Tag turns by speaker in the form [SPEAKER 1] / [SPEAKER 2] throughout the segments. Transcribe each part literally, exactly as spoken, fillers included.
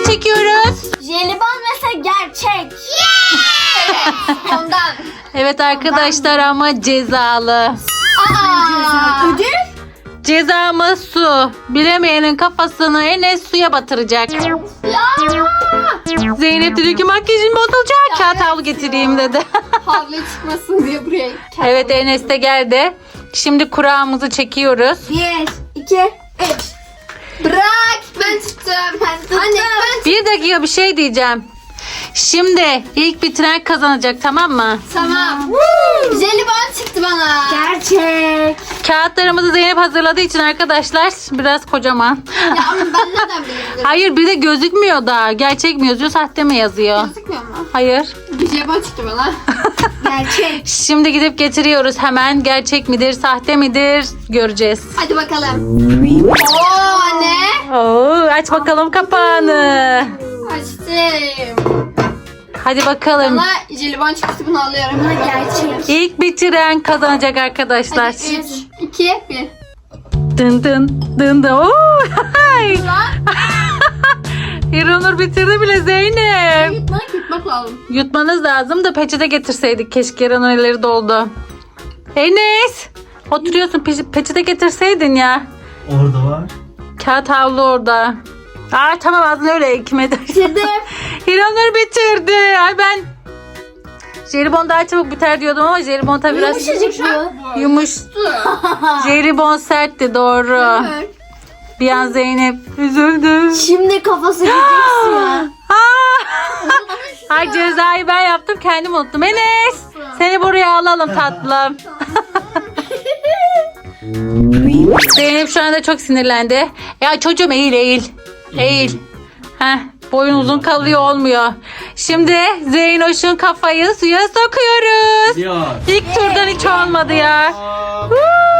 [SPEAKER 1] çekiyoruz.
[SPEAKER 2] Jelibon mesela gerçek. Evet, ondan.
[SPEAKER 1] Evet arkadaşlar ama cezalı.
[SPEAKER 2] Aa. Ödül?
[SPEAKER 1] Cezamız su. Bilemeyenin kafasını Enes suya batıracak.
[SPEAKER 2] Ya.
[SPEAKER 1] Zeynep dedi ki makyajım bozulacak. Kağıt havlu getireyim dedi.
[SPEAKER 2] Havlu çıkmasın diye buraya.
[SPEAKER 1] Evet Enes de geldi. Şimdi kurağımızı çekiyoruz.
[SPEAKER 2] Bir, iki, üç. Bırak. Ben tuttum. Ben tuttum. Anne ben
[SPEAKER 1] Bir dakika bir şey diyeceğim. Şimdi ilk bitiren kazanacak, tamam mı?
[SPEAKER 2] Tamam. Jelibon çıktı bana. Gerçek.
[SPEAKER 1] Kağıtlarımızı Zeynep hazırladığı için arkadaşlar biraz kocaman.
[SPEAKER 2] Ya ama ben nereden bilebilirim?
[SPEAKER 1] Hayır, bir de gözükmüyor da. Gerçek mi yazıyor, sahte mi yazıyor?
[SPEAKER 2] Gözükmüyor mu?
[SPEAKER 1] Hayır.
[SPEAKER 2] Jelibon çıktı bana. Gerçek.
[SPEAKER 1] Şimdi gidip getiriyoruz hemen. Gerçek midir, sahte midir göreceğiz.
[SPEAKER 2] Hadi bakalım. Oo anne.
[SPEAKER 1] Oo, aç bakalım kapağını.
[SPEAKER 2] Açtım.
[SPEAKER 1] Hadi bakalım.
[SPEAKER 2] Bana jelibon çıktı, bunu alıyorum. Buna gerçek.
[SPEAKER 1] İlk bitiren kazanacak arkadaşlar.
[SPEAKER 2] Hadi üç, iki, bir.
[SPEAKER 1] Dın dın dın dın. Oo, hay. İranur bitirdi bile Zeynep.
[SPEAKER 2] Yutmak yutmak lazım.
[SPEAKER 1] Yutmanız lazım da peçete getirseydik. Keşke İranur elleri doldu. Enes. Oturuyorsun, pe- peçete getirseydin ya.
[SPEAKER 3] Orada var.
[SPEAKER 1] Kağıt havlu orada. Aa tamam, ağzını öyle kime dersin.
[SPEAKER 2] Bitirdim.
[SPEAKER 1] İranur bitirdi. Ay ben jelibon daha çabuk biter diyordum ama jelibon tabii biraz
[SPEAKER 2] Yumuşacık bu.
[SPEAKER 1] yumuş. Jelibon sertti, doğru.
[SPEAKER 2] Evet.
[SPEAKER 1] Bir an Zeynep üzüldü.
[SPEAKER 2] Şimdi kafası gideceksin ya.
[SPEAKER 1] Aa! Ay cezayı ben yaptım, kendim unuttum. Enes seni buraya alalım tatlım. Zeynep şu anda çok sinirlendi. Ya çocuğum eğil eğil. Eğil. Heh, boyun uzun kalıyor, olmuyor. Şimdi Zeynoş'un kafayı suya sokuyoruz.
[SPEAKER 3] Ya.
[SPEAKER 1] İlk turdan hiç olmadı ya.
[SPEAKER 3] Oha.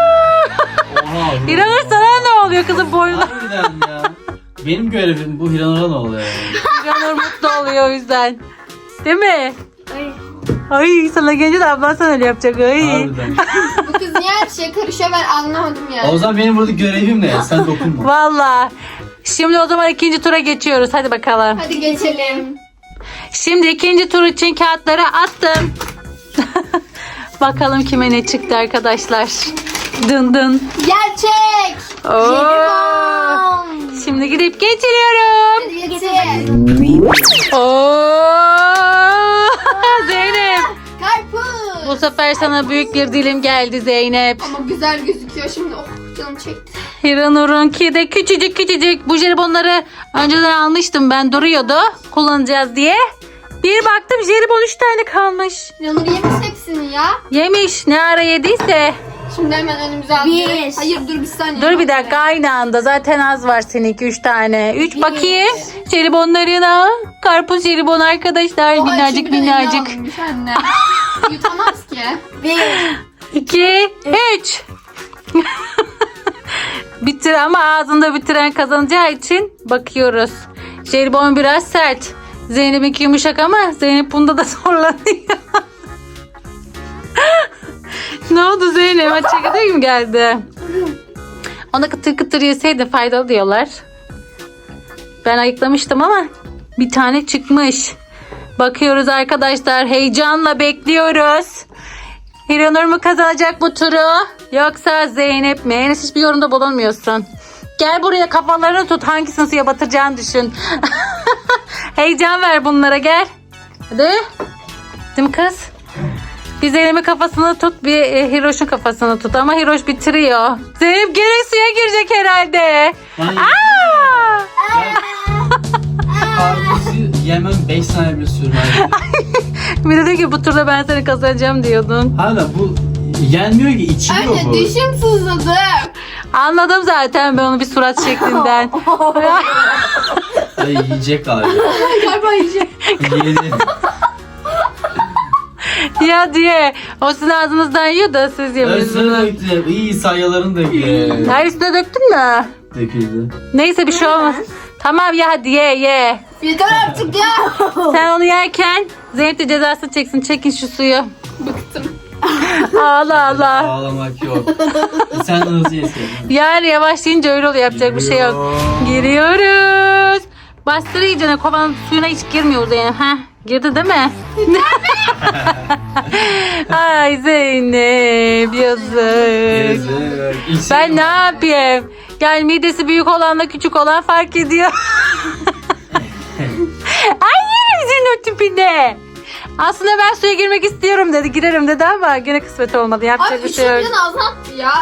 [SPEAKER 1] İranur sana ne oluyor kızım boyuna?
[SPEAKER 3] Harbiden ya. Benim görevim bu, Hiranur'a ne oluyor yani?
[SPEAKER 1] İranur mutlu oluyor o yüzden. Değil mi? Ay sana gelince de ablan sana öyle yapacak. Ay.
[SPEAKER 3] Harbiden.
[SPEAKER 2] Bu kız niye her şeye karışıyor, ben anlamadım ya.
[SPEAKER 3] O zaman benim burada görevim ne? Sen dokunma.
[SPEAKER 1] Valla. Şimdi o zaman ikinci tura geçiyoruz. Hadi bakalım.
[SPEAKER 2] Hadi geçelim.
[SPEAKER 1] Şimdi ikinci tur için kağıtları attım. Bakalım kime ne çıktı arkadaşlar. Dın dın.
[SPEAKER 2] Gerçek.
[SPEAKER 1] Oo.
[SPEAKER 2] Jelibon.
[SPEAKER 1] Şimdi gidip getiriyorum.
[SPEAKER 2] Hadi getir.
[SPEAKER 1] Oo. Zeynep.
[SPEAKER 2] Karpuz.
[SPEAKER 1] Bu sefer sana büyük bir dilim geldi Zeynep.
[SPEAKER 2] Ama güzel gözüküyor şimdi. Oh canım çekti.
[SPEAKER 1] Hiranur'unki de küçücük küçücük. Bu jelibonları önceden almıştım ben, duruyordu. Kullanacağız diye. Bir baktım jelibon üç tane kalmış.
[SPEAKER 2] Yanur yemiş hepsini ya.
[SPEAKER 1] Yemiş, ne ara yediyse.
[SPEAKER 2] Şimdi hemen önümüze alıyoruz. Hayır dur bir saniye.
[SPEAKER 1] Dur bir dakika, aynı anda. Zaten az var seninki, üç tane. Üç bakayım. Jelibonlarına. Karpuz jelibon arkadaşlar.
[SPEAKER 2] Oha,
[SPEAKER 1] minnacık
[SPEAKER 2] şimdi de
[SPEAKER 1] minnacık.
[SPEAKER 2] elini almış anne. Yutamaz ki. Bir.
[SPEAKER 1] İki, üç. Bitir ama ağzında bitiren kazanacağı için bakıyoruz. Jelibon biraz sert. Zeynep'inki yumuşak ama Zeynep bunda da zorlanıyor. Ne oldu Zeynep? Aç çekirdeği mi geldi? Ona kıtır kıtır yeseydi faydalı diyorlar. Ben ayıklamıştım ama bir tane çıkmış. Bakıyoruz arkadaşlar. Heyecanla bekliyoruz. Hiranur mu kazanacak bu turu? Yoksa Zeynep mi? Enes hiçbir yorumda bulunmuyorsun. Gel buraya, kafalarını tut. Hangisini suya batıracağını düşün. Heyecan ver bunlara, gel. Hadi. Değil mi kız? Bir Zeynep'in kafasını tut, bir e, Hiroş'un kafasını tut. Ama Hiroş bitiriyor. Zeynep gene suya girecek herhalde.
[SPEAKER 3] Ben
[SPEAKER 1] Aa!
[SPEAKER 3] karpuzu yemem beş saniye bile sürmez.
[SPEAKER 1] Bir de diyor ki bu turda ben seni kazanacağım diyordun.
[SPEAKER 3] Hala bu yenmiyor ki, içiliyor
[SPEAKER 2] Anne
[SPEAKER 3] bu.
[SPEAKER 2] dişim sızladı.
[SPEAKER 1] Anladım zaten ben onu bir surat şeklinden.
[SPEAKER 3] Ay yiyecek galiba.
[SPEAKER 2] Galiba yiyecek.
[SPEAKER 3] Yedi.
[SPEAKER 1] Ya diye. O sizin ağzınızdan yiyor da siz
[SPEAKER 3] Özür
[SPEAKER 1] yemiyorsunuz.
[SPEAKER 3] döktü. İyi sayaların döktü.
[SPEAKER 1] Her üstüne döktün mü?
[SPEAKER 3] Döküldü.
[SPEAKER 1] Neyse bir şey olmaz. Tamam ya, hadi ye ye.
[SPEAKER 2] Yeter artık ya.
[SPEAKER 1] Sen onu yerken Zeynep de cezasını çeksin. Çekin şu suyu.
[SPEAKER 2] Bıktım.
[SPEAKER 1] Ağla ağla.
[SPEAKER 3] Ağlamak yok. Sen hızlı yeseydin.
[SPEAKER 1] Yani yavaşlayınca öyle oluyor, yapacak bir şey yok. Giriyoruz. Bastır iyicene, kovanın suyuna hiç girmiyor Zeynep. Heh, girdi değil mi? Ay Zeynep yazık.
[SPEAKER 3] Yazık. İlk
[SPEAKER 1] Ben
[SPEAKER 3] şey-
[SPEAKER 1] ne yapayım? Yani midesi büyük olanla küçük olan fark ediyor. Ay yerim senin o tipine. Aslında ben suya girmek istiyorum dedi. Girerim dedi ama gene kısmet olmadı. Yapacak
[SPEAKER 2] Abi
[SPEAKER 1] bir şey yok.
[SPEAKER 2] üçüncünün ağzına attı ya.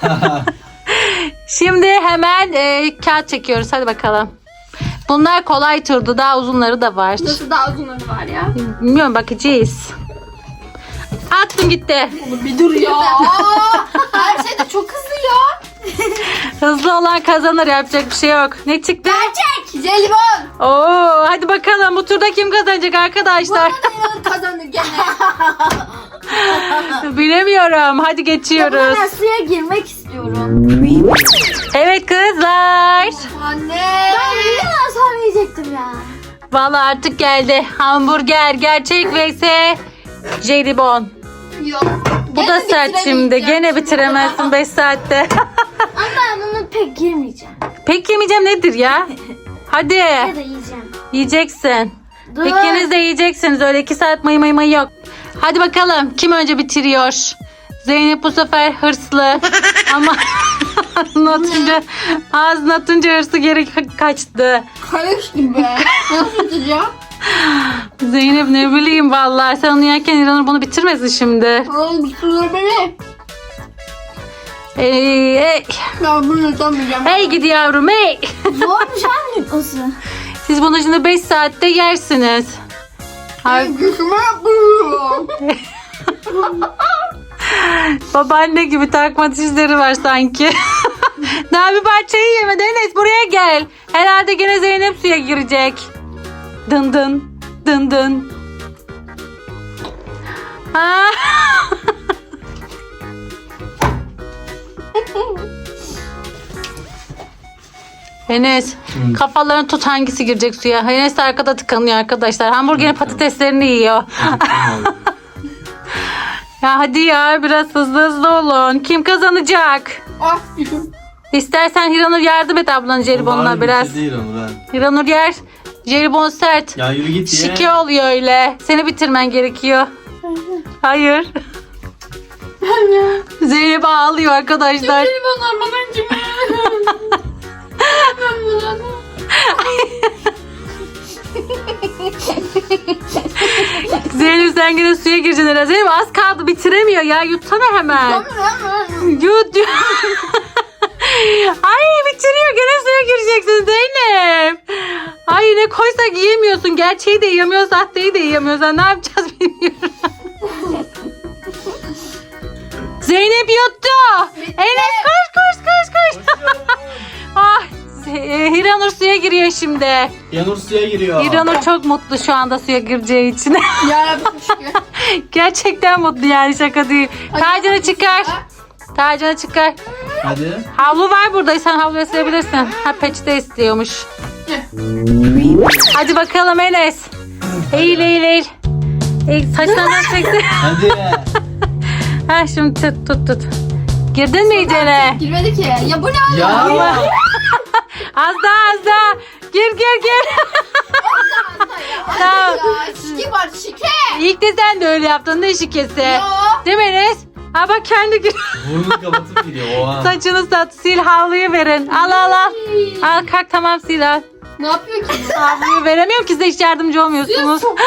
[SPEAKER 1] Şimdi hemen e, kağıt çekiyoruz. Hadi bakalım. Bunlar kolay turdu. Daha uzunları da var.
[SPEAKER 2] Nasıl daha uzunları var ya?
[SPEAKER 1] Bilmiyorum, bakacağız. Attım gitti.
[SPEAKER 2] Bir dur ya. Her şey de çok hızlı ya.
[SPEAKER 1] Hızlı olan kazanır, yapacak bir şey yok. Ne çıktı?
[SPEAKER 2] Gerçek. Jelibon.
[SPEAKER 1] Oo, hadi bakalım bu turda kim kazanacak arkadaşlar?
[SPEAKER 2] Bana kazandı gene.
[SPEAKER 1] Bilemiyorum. Hadi geçiyoruz.
[SPEAKER 2] Ben suya girmek istiyorum.
[SPEAKER 1] Evet kızlar.
[SPEAKER 2] Anne. Ben bir daha sonra yiyecektim ya.
[SPEAKER 1] Vallahi artık geldi. Hamburger gerçek vs jelibon.
[SPEAKER 2] Yok.
[SPEAKER 1] Bu da sert şimdi. Gene bitiremezsin beş saatte.
[SPEAKER 2] Ama ben onu pek girmeyeceğim.
[SPEAKER 1] Pek yemeyeceğim nedir ya? Hadi.
[SPEAKER 2] Ya da yiyeceğim.
[SPEAKER 1] Yiyeceksin.
[SPEAKER 2] Dur.
[SPEAKER 1] İkiniz de yiyeceksiniz. Öyle iki saat mayı mayı mayı yok. Hadi bakalım. Kim önce bitiriyor? Zeynep bu sefer hırslı. Ama ağzını atınca, ağzını atınca hırsı geri ka- kaçtı.
[SPEAKER 2] Kayış gibi. Nasıl tutacağım?
[SPEAKER 1] Zeynep ne bileyim vallahi. Sen onu yerken İranur bunu bitirmesin şimdi.
[SPEAKER 2] Oğlum bir sürü beni.
[SPEAKER 1] Hey, hey.
[SPEAKER 2] Ben bunu yutamayacağım.
[SPEAKER 1] Hey gidi yavrum hey.
[SPEAKER 2] Zormuş abi yutması.
[SPEAKER 1] Siz bunu şimdi beş saatte yersiniz. Ay,
[SPEAKER 2] Gözüme yapıyorum.
[SPEAKER 1] babaanne gibi takma dişleri var sanki. Daha bir parçayı yemedi. Enes buraya gel. Herhalde gene Zeynep suya girecek. Dın dın dın dın. Ha. Enes
[SPEAKER 3] Hı.
[SPEAKER 1] kafalarını tut, hangisi girecek suya? Enes de arkada tıkanıyor arkadaşlar. Hamburgerin patateslerini yiyor. Ya hadi ya, biraz hızlı hızlı olun. Kim kazanacak?
[SPEAKER 2] Ah düşün.
[SPEAKER 1] İstersen Hiranur yardım et ablanın jelibonuna biraz.
[SPEAKER 3] Değil onu ben.
[SPEAKER 1] Hiranur yer. Jelibon sert.
[SPEAKER 3] Ya yürü git ya.
[SPEAKER 1] Şike oluyor öyle. Seni bitirmen gerekiyor. Hayır. Zeynep ağlıyor arkadaşlar.
[SPEAKER 2] Jelibonlar bana acımıyor. Ben bunu.
[SPEAKER 1] Zeynep sen yine suya gireceksin herhalde. Zeynep az kaldı, bitiremiyor ya. Yutsana hemen. Yut yut. Ay bitiriyor, gene suya gireceksin Zeynep. Ay ne koysak yiyemiyorsun. Gerçeği de yiyemiyor, sahteyi de yiyemiyorsan ne yapacağız bilmiyorum. Zeynep yuttu. Enes koş koş koş koş. Ah, e, Hiranur suya giriyor şimdi.
[SPEAKER 3] Yanur suya giriyor.
[SPEAKER 1] Hiranur çok mutlu şu anda suya gireceği için.
[SPEAKER 2] Yarabbim şükür.
[SPEAKER 1] Gerçekten mutlu yani, şaka değil. Tacını çıkar. Tacını çıkar.
[SPEAKER 3] Hadi.
[SPEAKER 1] Havlu var burada. Sen havluya silebilirsin. Ha, peçete istiyormuş. Hadi bakalım Enes. Eğil eğil eğil. Eğil, saçlarından çekti.
[SPEAKER 3] Hadi.
[SPEAKER 1] Ha, şimdi tut tut tut. Girdin mi iyicene?
[SPEAKER 2] Girmedi ki. Ya bu ne
[SPEAKER 3] Ya.
[SPEAKER 2] ya?
[SPEAKER 1] Az daha az daha. Gir gir gir. Tamam.
[SPEAKER 2] Ya şike var şike.
[SPEAKER 1] İlk de sen de öyle yaptın. Ne şikesi?
[SPEAKER 2] Ya.
[SPEAKER 1] Değil mi Enes? Ha bak kendi gir.
[SPEAKER 3] Burnunu kapatıp giriyor. Oha.
[SPEAKER 1] Saçını sat. Sil, havluyu verin. Al al al. Al kalk, tamam sil al.
[SPEAKER 2] Ne yapıyor ki?
[SPEAKER 1] Havluyu veremiyorum ki, size hiç yardımcı olmuyorsunuz.
[SPEAKER 2] Çok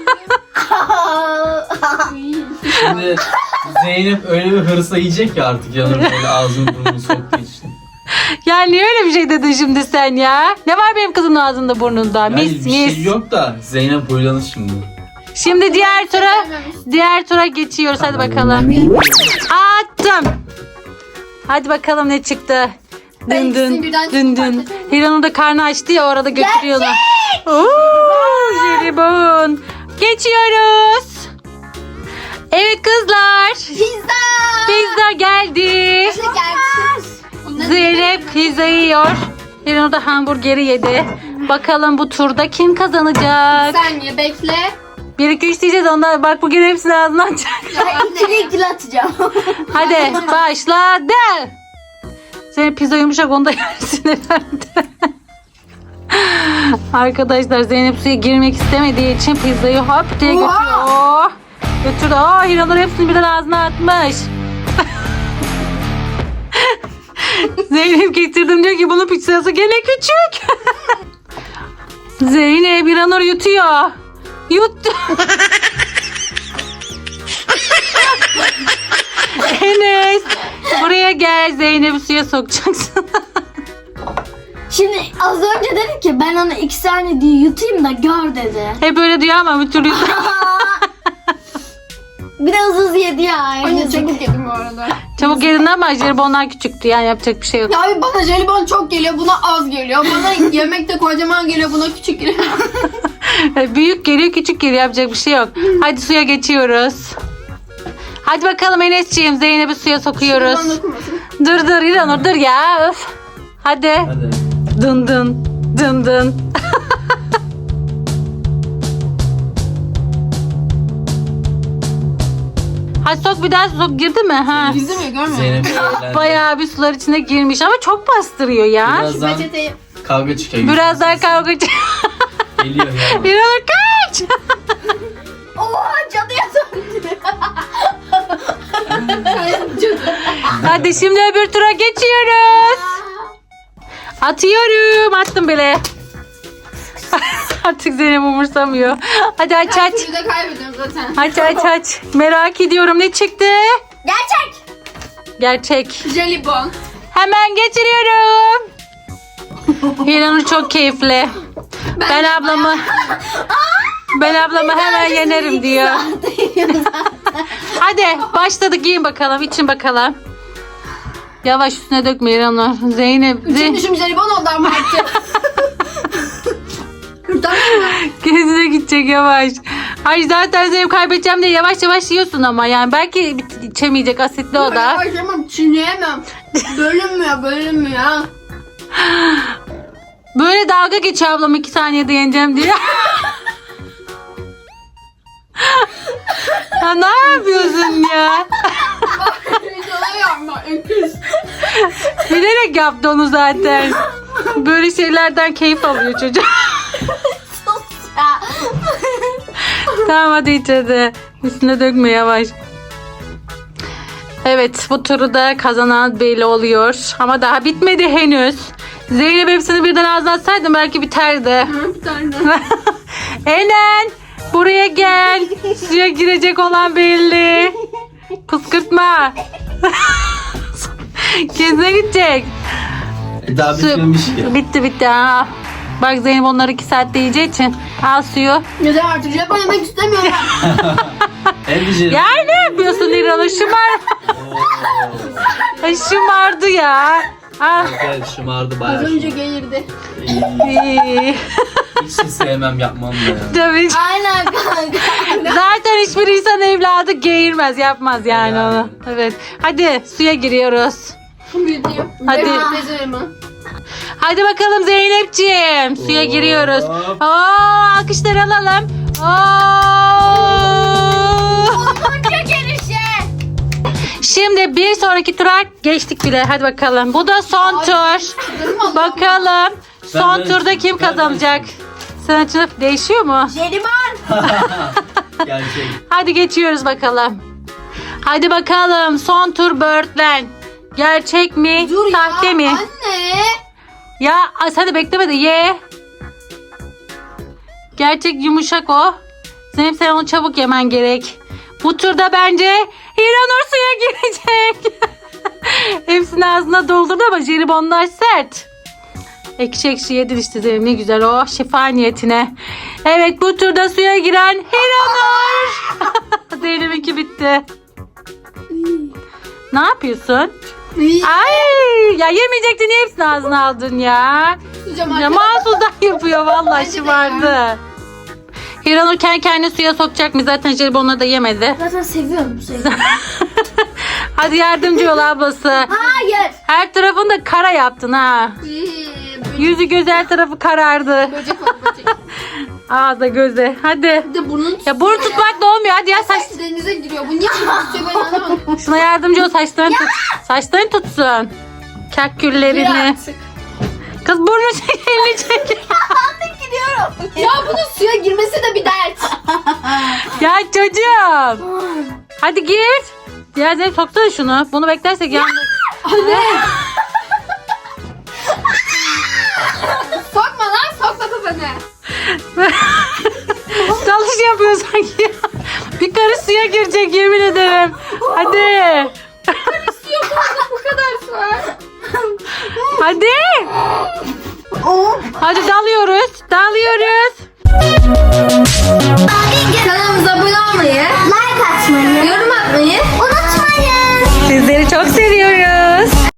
[SPEAKER 3] Şimdi Zeynep öyle bir hırsa yiyecek ya artık Yanur böyle ağzını burnunu soktuğu için.
[SPEAKER 1] Ya niye öyle bir şey dedin şimdi sen ya? Ne var benim kızın ağzında burnunda?
[SPEAKER 3] Yani
[SPEAKER 1] Mis
[SPEAKER 3] bir
[SPEAKER 1] mis.
[SPEAKER 3] şey yok da Zeynep huylanır şimdi.
[SPEAKER 1] Şimdi diğer tura diğer tura geçiyoruz. Hadi bakalım. Attım. Hadi bakalım ne çıktı.
[SPEAKER 2] Ben
[SPEAKER 1] Dın
[SPEAKER 2] ikisini
[SPEAKER 1] dın
[SPEAKER 2] birden
[SPEAKER 1] dın dın.
[SPEAKER 2] çıkartacağım.
[SPEAKER 1] Hiranur da karnı açtı ya, orada götürüyorlar. Oo, jelibon. Geçiyoruz. Evet kızlar.
[SPEAKER 2] Pizza.
[SPEAKER 1] Pizza geldi.
[SPEAKER 2] Nasıl gelmiş? Bunları
[SPEAKER 1] Zeynep pizzayı yiyor. Hiranur da hamburgeri yedi. Bakalım bu turda kim kazanacak?
[SPEAKER 2] Bir saniye bekle.
[SPEAKER 1] bir iki üç diyeceğiz, ondan bak bugün hepsini ağzına atacak.
[SPEAKER 2] İkili ikili atacağım.
[SPEAKER 1] Hadi başladı. Zeynep pizza yumuşak, onu da yersin herhalde. Arkadaşlar Zeynep suya girmek istemediği için pizzayı hop diye götürüyor. Oh, götürdü. Oh, Hiranur hepsini birden ağzına atmış. Zeynep getirdim diyor ki bunun pizzası gene küçük. Zeynep Hiranur yutuyor. Yuttu. Enes buraya gel, Zeynep'i suya sokacaksın.
[SPEAKER 2] Şimdi az önce dedi ki ben onu iki saniye diye yutayım da gör dedi.
[SPEAKER 1] Hep öyle diyor ama bir türlü
[SPEAKER 2] Biraz hızlı yedi ya.
[SPEAKER 4] Anne çabuk yedim bu arada.
[SPEAKER 1] çabuk yedin ama jelibonlar küçüktü, yani yapacak bir şey yok.
[SPEAKER 4] Ya abi bana jelibon çok geliyor, buna az geliyor. Bana yemekte kocaman geliyor, buna küçük geliyor.
[SPEAKER 1] Büyük geliyor küçük geliyor, yapacak bir şey yok. Hadi suya geçiyoruz. Hadi bakalım Enes'ciğim, Zeynep'i suya sokuyoruz.
[SPEAKER 4] Bana dokunmasın.
[SPEAKER 1] Dur dur İranur dur ya. Öf. Hadi.
[SPEAKER 3] Hadi.
[SPEAKER 1] Dın dın dın dın. Hadi sok, bir daha sok, girdi mi? Ha.
[SPEAKER 4] Gizli mi görmüyor musun?
[SPEAKER 3] Zeynep eğlendi.
[SPEAKER 1] Bayağı bir sular içine girmiş ama çok bastırıyor ya.
[SPEAKER 3] Birazdan
[SPEAKER 4] Peçeteyi.
[SPEAKER 3] kavga çıkıyor.
[SPEAKER 1] Biraz daha kavga ç-
[SPEAKER 3] Geliyor ya.
[SPEAKER 1] İranur kaç.
[SPEAKER 2] Oha cadıya döndü.
[SPEAKER 1] Hadi şimdi öbür tura geçiyoruz. Atıyorum. Attım bile. Artık Zeynep umursamıyor. Hadi aç aç.
[SPEAKER 4] Suyu da kaybediyorum zaten.
[SPEAKER 1] Aç aç aç. Merak ediyorum ne çıktı?
[SPEAKER 2] Gerçek.
[SPEAKER 1] Gerçek.
[SPEAKER 4] Jelibon.
[SPEAKER 1] Hemen geçiriyorum. İranur çok keyifli. Ben ablamı ben ablamı hemen yenerim diyor. Hadi başladık, yiyin bakalım, için bakalım. Yavaş, üstüne dökme İranur. Zeynep.
[SPEAKER 4] Üçün
[SPEAKER 1] Zeynep.
[SPEAKER 4] düşüm jelibon oldu ama artık. Kurtarmıyor mu?
[SPEAKER 1] Gezine gidecek yavaş. Ay zaten Zeynep kaybedeceğim diye yavaş yavaş yiyorsun ama yani belki içemeyecek, asitli o da.
[SPEAKER 4] Başlamam, çiğneyemem. Bölünmüyor, bölünmüyor.
[SPEAKER 1] Böyle dalga geçiyor ablam, iki saniyede yeneceğim diye. Ya ne yapıyorsun ya?
[SPEAKER 4] Videoda yapma, öküz.
[SPEAKER 1] Bilerek yaptı onu zaten. Böyle şeylerden keyif alıyor çocuk. Tamam hadi iç hadi. Üstüne dökme, yavaş. Evet, bu turu da kazanan belli oluyor. Ama daha bitmedi henüz. Zeynep hepsini birden ağzına atsaydım belki biterdi.
[SPEAKER 4] Hı, bir tane.
[SPEAKER 1] Enen buraya gel. Suya girecek olan belli. Kıskırtma. Kendine gidecek.
[SPEAKER 3] E, Daha
[SPEAKER 1] Su-
[SPEAKER 3] bitmemiş ki.
[SPEAKER 1] Bitti bitti. Ha. Bak Zeynep onları iki saatte yiyeceği için. Al suyu.
[SPEAKER 4] Yeter artık, jelibon yemek istemiyorum.
[SPEAKER 3] Hem de jelibon.
[SPEAKER 1] Ya ne yapıyorsun İranur? Şımar. Ay, şımardı ya. Al.
[SPEAKER 3] Evet, şımardı bayağı.
[SPEAKER 4] Az önce geğirdi.
[SPEAKER 1] İyi.
[SPEAKER 3] Hiç de sevmem, yapmam da ya.
[SPEAKER 1] Tabii.
[SPEAKER 2] Aynen kanka.
[SPEAKER 1] Zaten hiçbir insan evladı geğirmez, yapmaz yani
[SPEAKER 3] Yani.
[SPEAKER 1] onu. Evet. Hadi suya giriyoruz.
[SPEAKER 4] Büyütüyor.
[SPEAKER 1] Hadi.
[SPEAKER 4] Beceremem.
[SPEAKER 1] Hadi bakalım Zeynepciğim. Suya
[SPEAKER 3] Hop.
[SPEAKER 1] giriyoruz. Oo, alkışlar alalım. Oo.
[SPEAKER 2] Çok gelişe.
[SPEAKER 1] Şimdi bir sonraki tura geçtik bile. Hadi bakalım. Bu da son tur. Bakalım son
[SPEAKER 3] ben-
[SPEAKER 1] turda kim
[SPEAKER 3] ben-
[SPEAKER 1] kazanacak? Senin için değişiyor mu?
[SPEAKER 2] Jelibon.
[SPEAKER 3] Gerçek.
[SPEAKER 1] Hadi geçiyoruz bakalım. Hadi bakalım son tur Birdland. Gerçek mi?
[SPEAKER 4] Dur ya.
[SPEAKER 1] Sahte mi?
[SPEAKER 4] Anne.
[SPEAKER 1] Ya as- hadi bekleme de ye. Gerçek yumuşak o. Zeynep sen onu çabuk yemen gerek. Bu turda bence Hiranur suya girecek. Hepsini ağzına doldurdu ama jelibonlar sert. Ekşi ekşi yedin işte Zeynep, ne güzel o, şifa niyetine. Evet, bu turda suya giren Hiranur. Zeynep'inki bitti. Ne yapıyorsun? Ay ya, yemeyecektin, niye hepsini ağzına aldın ya?
[SPEAKER 4] Tutacağım
[SPEAKER 1] Ya
[SPEAKER 4] artık.
[SPEAKER 1] mahsusdan yapıyor vallahi,
[SPEAKER 4] Bence de
[SPEAKER 1] şımardı. Hiranur kendi kendine suya sokacak mı? Zaten jelibonları da yemedi.
[SPEAKER 2] Zaten seviyorum seviyorum.
[SPEAKER 1] Hadi yardımcı ol ablası.
[SPEAKER 2] Hayır.
[SPEAKER 1] Her tarafını da kara yaptın ha.
[SPEAKER 4] Ee,
[SPEAKER 1] Yüzü göz her tarafı karardı.
[SPEAKER 4] Böcek var, böcek.
[SPEAKER 1] Ağza göze. Hadi.
[SPEAKER 4] Bir de burnunu
[SPEAKER 1] Ya burun tutmak da olmuyor. Hadi ya saç.
[SPEAKER 4] Saç denize giriyor. Bu niye tutuyor, ben anlamadım.
[SPEAKER 1] Şuna yardımcı ol, saçlarını tut. Saçlarını tutsun. Kak
[SPEAKER 4] Bir
[SPEAKER 1] küllerini.
[SPEAKER 4] artık.
[SPEAKER 1] Kız burnu çek, elini çek.
[SPEAKER 2] Gidiyorum.
[SPEAKER 4] Ya bunun suya girmesi de bir dert.
[SPEAKER 1] Ya çocuğum. Hadi gir. Ya Zeynep soksana şunu. Bunu beklersek yandık.
[SPEAKER 4] Anne. Sokma lan, sokma kafanı.
[SPEAKER 1] Dalış yapıyor sanki. Bir karış suya girecek yemin ederim. Hadi.
[SPEAKER 4] Bu kadar su var.
[SPEAKER 1] Hadi. Hadi dalıyoruz. Dalıyoruz.